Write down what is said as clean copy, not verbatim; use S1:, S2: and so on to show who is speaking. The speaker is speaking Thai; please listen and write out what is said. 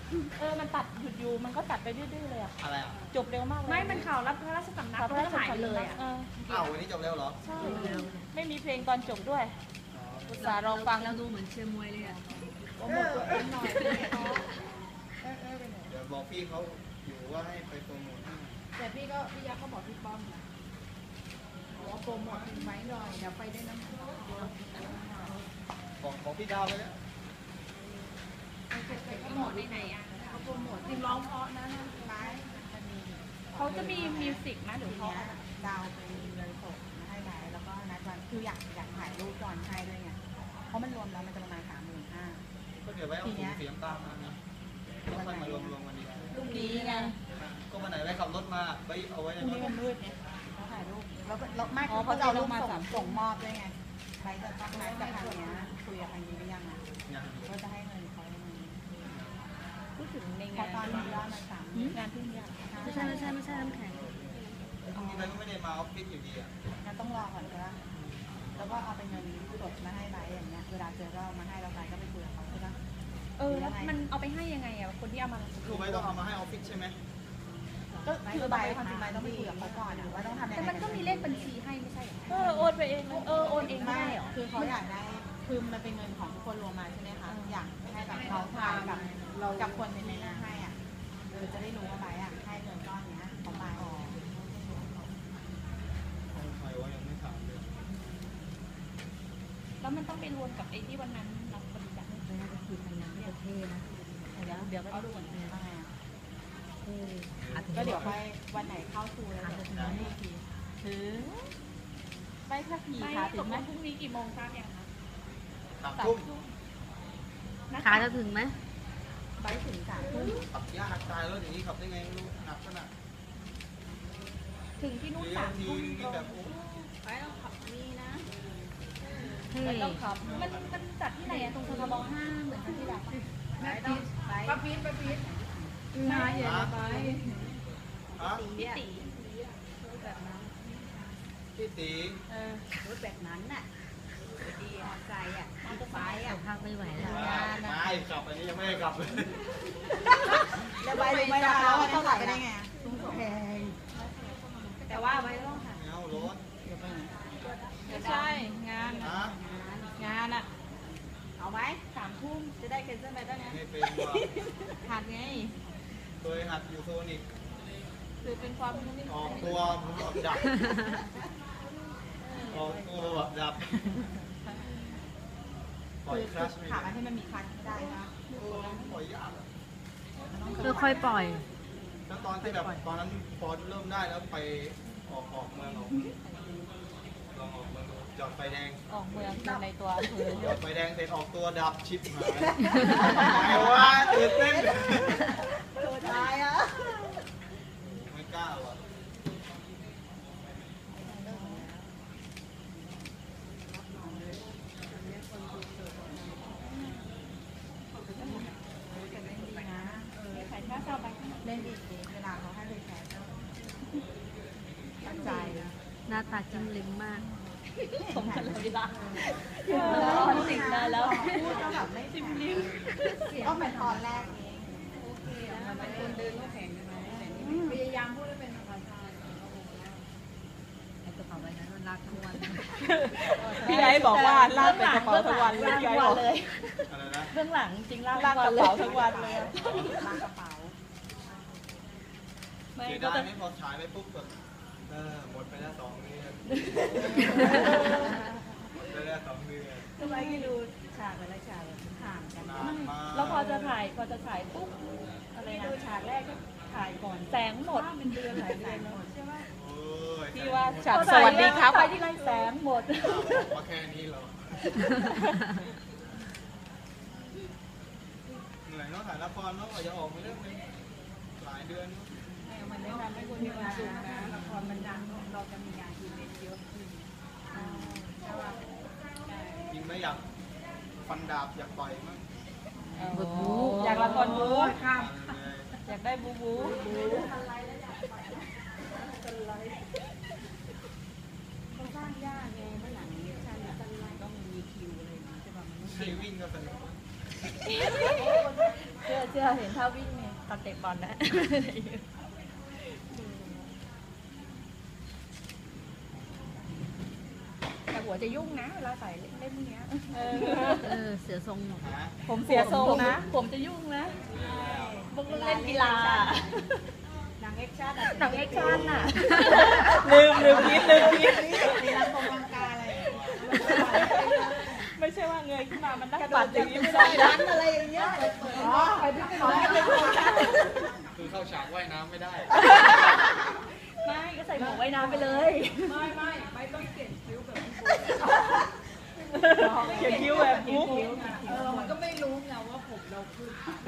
S1: มันตัดหยุดอยู่มันก็ตัดไปดื้อๆเลยอะ
S2: อะไรอ่ะ
S1: จบเร็วมากเลย
S3: ไม่มันข่าวรับพระราชสำนักก็หายไปเลยอ่ะ
S2: อ้าววันนี้จบเร็วเหรอ
S1: ใช่ไม่มีเพลงตอนจบด้วยอุตส่าห์รอฟัง
S3: เราดูเหมือนเชียร์มวยเลยอ่ะ
S1: โปรโมทตัวเองหน่อย
S2: เดี๋ยวบอกพี่เขาอยู่ว่าให้ไปโปรโมทให้
S4: แต่พี่ยักษ์เขาบอกพี่ป้อมนะบอกว่าโปรโมทไว้หน่อยเดี๋ยวไปได้น้ำ
S2: บอกพี่ดาวไปแล้ว
S3: โปรโมทไหนอ่ะ
S4: เขาโปรโมทจริงร้องเพราะนะไม้จะมี
S1: เขาจะมีมิวสิกไหมหรือ
S4: ที
S1: เขา
S4: เนี้ยดาวไปเลยส่งมาให้ไม้แล้วก็นัดวันคืออยากถ่ายรูปก่อนให้ด้วยไงเพราะมันรวมแล้วมันจะประมาณ35,000
S2: ก็เดี๋ยวไว้เอาถุงเสียงตามมานะแล้วค่อยมารวมกันดี
S1: ลูกดีไง
S2: ก็วันไหนไว้ขับรถมาไปเอาไว้ใน
S1: พรุ่ง
S2: ร
S1: นี้
S2: ถ
S1: มันมืดไง
S4: เขาถ่ายรูปแล้วไม่
S1: อ๋อ
S4: เขาจะเอารูป
S1: เขาจะเอารูปมา
S4: ส่งมอบด้วยไงไม้จะต้องนัดกับทางเนี้ยคุยกับทางนี้หรือยังอ่ะ
S2: อย่างนี้
S4: ก็จะให้เงินเขายังไง
S1: พูดถึงใน
S4: เพ
S1: งา
S4: ราะ
S1: น
S4: ตอนนี้ยอดมัน3
S1: งานที่เนี่ย
S3: ไม่ใช่น้ำแข็ง
S2: พรุ่งนี้ไปก็ไม่ได้มาออฟฟิศอยู่ดีอ่ะ
S4: งั้นต้องรอก่อนก็แล้วก็เอาเป็นเงินสดมาให้ไบอย่างเงี้ยเวลาเจอก็เอามาให้เราไปก็ไปคุยกับเขาใช่ปะ
S3: แล้วมันเอาไปให้ยังไงอ่ะคนที่เอามา
S2: คือไว้ต้องเอามาให้ออฟฟิศใช่ไหม
S4: ก็คือใบความจริงใบต้องไปคุยกับเขาก่อนว่าต้องทำยังไง
S3: แต่มันก็มีเลขบัญชีให้ไม่ใช่เหรอ
S1: โอนไปเองโอนเอง
S4: ไม่
S1: ได้เหรอ
S4: คือเขาอยากได้คือมันเป็นเงินของทุกคนรวมมาใช่ไหมคะอยากให้แบบเขาทานกับคนในหน้าให้อ่ะจะได้รู้ว่าใบอ่ะให้เงินก้อนเนี้ยของใบ
S2: ใครว่ายังไม่ถามเลย
S1: แล้วมันต้องไปรวมกับไอ้ที่วันนั้นเราบริจาคเงิน
S3: น่าจะคือพันนั้นประเทศนะเดี๋ยวก็
S4: เอาดูก่อนเลยว่าไงอ่ะ
S3: อ่ะ
S4: ก็เดี๋ยวไปวันไหนเข้าทูแล้วเดี๋ยวจะมีอีกทีถึงไม่ถ้าผี
S1: ไม่
S4: ค่ะ
S1: ต
S4: ถึ
S1: ก
S4: ง
S1: ล
S4: ไหม
S1: งพรุ่งนี้กี่โมงทราบยังคะ
S2: 3 ทุ่ม
S3: ขาจะถึงไหม
S4: ไปถึง3 ทุ่ม
S2: ขับยากตายแล้วอย่างนี้ขับได้ไงไม่รู้หนักขนาด
S1: ถึงที่นู่น
S2: เลี้ยวที
S1: 3 ทุ่ม
S2: นี่แบบโอ้
S4: ไปต้องขับนี่นะ
S3: เฮ้
S1: มันต้องขับมันจัดที่ไหนอะตรงทบ5เหมือนที่แบบ
S4: ไปต้องไปป้าพีทมาอย่าไป
S2: ฮะ
S1: พี่ตี
S2: พี่ตี
S4: รถแบบนั้นน่ะดีมอใจอ่ะมอเตอร์ไซค์อ่ะ
S3: ภาคไม่ไหวแล้ว
S2: ไม่ขับอันนี้ยังไม่ได้ขับเลย
S4: แล้วไปรู้ไหมล่ะว่าเท่าไหร่ได้ไงแพงแต่ว่าไปต้องค่ะ
S2: เงารถ
S1: ไม่ใช่งาน
S2: ฮะ
S1: งานอะ
S4: เอาไหม
S1: 3 ทุ่ม
S4: จะได้เคนเซิลไปได้ไง
S2: ไม่เป็นว่ะ
S1: หัดไง
S2: เคยหัดอยู่โซนิก
S1: คือเป็นความ
S2: ออกตัวแบบดับออกตัวแบบดับปล่อยคลัชไม่
S4: ขา
S2: ได้
S4: อันที่มันมีคันไม่ได้นะ
S2: ปล่อยยากอะ
S3: ค่อยๆปล่อย
S2: แล้วตอนที่แบบตอนนั้นพอเริ่มได้แล้วไปออกเมืองลองออกเมืองจอดไฟแดง
S1: ออกเมืองในตัวอำเภอ
S2: จอดไฟแดงเสร็จออกตัวดับชิปหายไงวะตื่นเต้น
S4: ตัวตายอ่ะ
S2: ไม่กล้าว่ะ
S1: ขายค่าเช่าไป
S4: เล่นดีเวลาเขาให้เลยแชร์ตั้งใจ
S3: หน้าตาจิ้มลิ้มมาก
S1: สมกันเลยล่ะคอนติดได้แล้ว
S4: พูดก็แบบไม่จิ้มลิ้มก็เหมือนตอนแรกเองโอเคมันเป็นคนเดินก็แข็งใช่ไหมพยายามพูดให้เป็นภาษา
S3: ไอ้กระเป๋าใบนั้นมันลากทั้งวัน
S1: พี่ไอ้บอกว่าลากเป็นกระเป๋าทั้งวันเลยพี่ไอ้บอกเลย
S2: อะไรนะ
S1: เบื้องหลังจริงลากกระเป๋าทั้งวันเลย
S4: ลากกระเป๋า
S1: ไม่
S2: เสีย
S1: ก็
S2: ดาย
S1: จะ
S2: ไม่พอฉายไปปุ๊บแบบหมดไปแล้ว2 เดือนหมดไปแล้ว2 เดือน
S4: ทำไมไม่ดูฉากแต่ละฉากห่างกัน
S2: นานมาก
S1: แล้วพอจะถ่ายปุ๊บอะไรนะ
S4: ดูฉากแรกก็ถ่ายก่อน
S1: แสงหมด
S4: เป็นเดือนหลายเดือนแล้วใช่ไหม
S2: โอ้ย
S1: พี่ว่าฉากสวัสดีครับไปที่ไรแสงหมด
S2: บอกว่าแค่นี้เหรอเหนื่อยเนาะถ่ายละครเนาะกว่าจะออกมาเรื่องนึงหลายเดือนเนอะ
S4: มันได้ทำให้คนมีความสุขนะละครมันดังเราจะมีงานอีเวนต์เยอะขึ้นใช่ป่ะ
S2: จริงไหมอยากฟันดาบอยากต่อยมั้ง
S1: อยากละครบู๊
S4: ข้าม
S1: อยากได้บูบู
S4: เขาสร้างยากไงเมื่อหลังนี้ฉันต้องมีคิวอะไรอย่างนี้ใช่ป่ะมัน
S2: ใครวิ่งก็สนุก
S3: เชื่อเห็นท่าวิ่งเนี่ยตอนเตะบอลนะแต่หัวจะยุ่งนะเวลาใส่เล่มเนี้ยเสียทรงหมด
S1: ผมเสียทรงนะ
S3: ผมจะยุ่งนะพวกเล่นกีฬา
S4: หนังแอคชั่น
S3: หนังแอคชั่นน่ะ
S1: ลืมคิด
S4: ในรังกงรังกาอะไร
S1: ไม่ใช่ว่าเงยขึ้นมามันนั่งปัดอย่างนี้ไม่ได้นะ
S3: อะไรอย่างเงี้ย
S4: ไปที่ขอให้เป็นคน
S2: คือเข้าฉากว่ายน้ำไม่ได้
S3: ไม่ก็ใส่หมวกว่ายน้ำไปเลย
S1: ไม่ต้องเขียนคิ้วแบบมุก
S3: มันก็ไม่รู้ไงว่าผมเราขึ้น